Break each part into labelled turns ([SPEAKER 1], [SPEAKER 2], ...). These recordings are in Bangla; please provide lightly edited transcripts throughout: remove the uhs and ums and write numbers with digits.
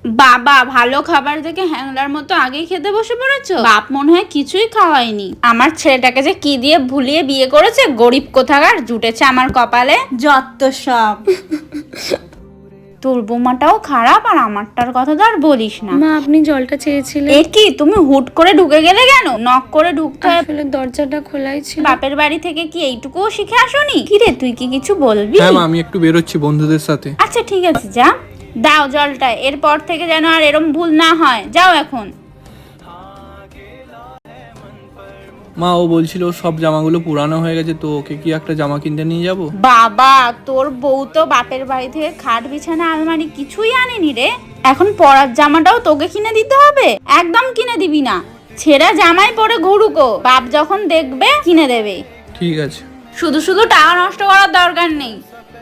[SPEAKER 1] বাবা, ভালো খাবার দেখে হ্যাংলার মতো আগেই খেতে বসে পড়েছো? বাপ মনে হয় কিছুই খাওয়ায়নি। আমার ছেলেটাকে যে কি দিয়ে ভুলিয়ে বিয়ে করেছে, গরিব কোথাকার, জুটেছে আমার কপালে যত সব। তোর বৌমাটাও খারাপ, আর আমারটার কথা তো আর বলিস না।
[SPEAKER 2] মা, আপনি জলটা চেয়েছিলেন।
[SPEAKER 1] এ কি, তুমি হুট করে ঢুকে গেলে কেন? নক করে ঢুকতে হয়।
[SPEAKER 2] আসলে দরজাটা খোলাই ছিল।
[SPEAKER 1] বাপের বাড়ি থেকে কি এইটুকুও শিখে আসোনি? কি রে, তুই কি কিছু বলবি?
[SPEAKER 3] হ্যাঁ মা, আমি একটু বেরোচ্ছি বন্ধুদের সাথে।
[SPEAKER 1] আচ্ছা ঠিক আছে, যা। দাও জলটা, এরপর থেকে যেন আর এরম ভুল না হয়। যাও এখন।
[SPEAKER 3] মা, ও বলছিল ওর সব জামাগুলো পুরানো হয়ে গেছে, তো ওকে কি একটা জামা কিনতে নিয়ে যাব?
[SPEAKER 1] বাবা, তোর বউ তো বাপের বাড়ি থেকে খাট বিছানা আলমারি কিছুই আনেনি রে। এখন পরার জামাটাও তোকে কিনে দিতে হবে? একদম কিনে দিবি না। ছেঁড়া জামাই পরে ঘুরুকো, বাপ যখন দেখবে কিনে দেবে।
[SPEAKER 3] ঠিক আছে।
[SPEAKER 1] শুধু শুধু টাকা নষ্ট করার দরকার নেই।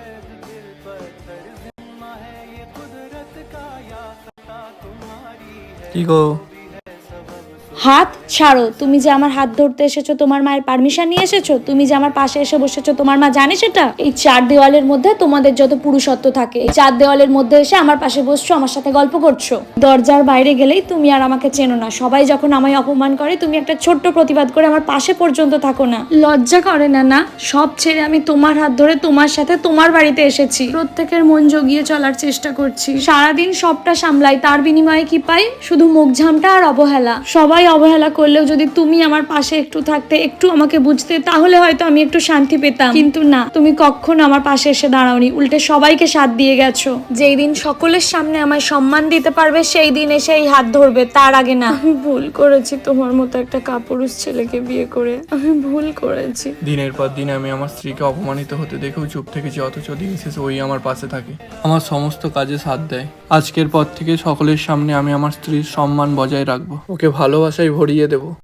[SPEAKER 3] কি গো?
[SPEAKER 2] হাত ছাড়ো। তুমি যে আমার হাত ধরতে এসেছো, তোমার মায়ের পারমিশন নিয়ে এসেছো? তুমি যে আমার পাশে এসে বসেছো, তোমার মা জানে সেটা? এই চার দেওয়ালের মধ্যে তোমাদের যত পুরুষত্ব থাকে, এই চার দেওয়ালের মধ্যে এসে আমার পাশে বসছো, আমার সাথে গল্প করছো। দরজার বাইরে গেলেই তুমি আর আমাকে চেনো না। সবাই যখন আমায় অপমান করে, তুমি একটা ছোট্ট প্রতিবাদ করে আমার পাশে পর্যন্ত থাকো না। লজ্জা করে না? না, সব ছেড়ে আমি তোমার হাত ধরে তোমার সাথে তোমার বাড়িতে এসেছি। প্রত্যেকের মন জগিয়ে চলার চেষ্টা করছি। সারাদিন সবটা সামলাই, তার বিনিময়ে কি পাই? শুধু মুখঝামটা আর অবহেলা। সবাই অবহেলা করলেও যদি তুমি আমার পাশে একটু থাকতে, একটু আমাকে বুঝতে, তাহলে হয়তো আমি একটু শান্তি পেতাম। কিন্তু না, তুমি কখনো আমার পাশে এসে দাঁড়াওনি, উল্টে সবাইকে সাথ দিয়ে গেছো। যেই দিন সকলের সামনে আমায় সম্মান দিতে পারবে, সেই দিন এসে এই হাত ধরবে, তার আগে না। আমি ভুল করেছি তোমার মতো একটা কাপুরুষ ছেলেকে বিয়ে করে। আমি ভুল করেছি।
[SPEAKER 3] দিনের পর দিন আমি আমার স্ত্রীকে অপমানিত হতে দেখেও চুপ থেকেছি, অথচ দিন শেষে ওই আমার পাশে থাকে, আমার সমস্ত কাজে সাথ দেয়। আজকের পর থেকে সকলের সামনে আমি আমার স্ত্রীর সম্মান বজায় রাখবো, ওকে ভালোবাসায় ভরিয়ে দেবো।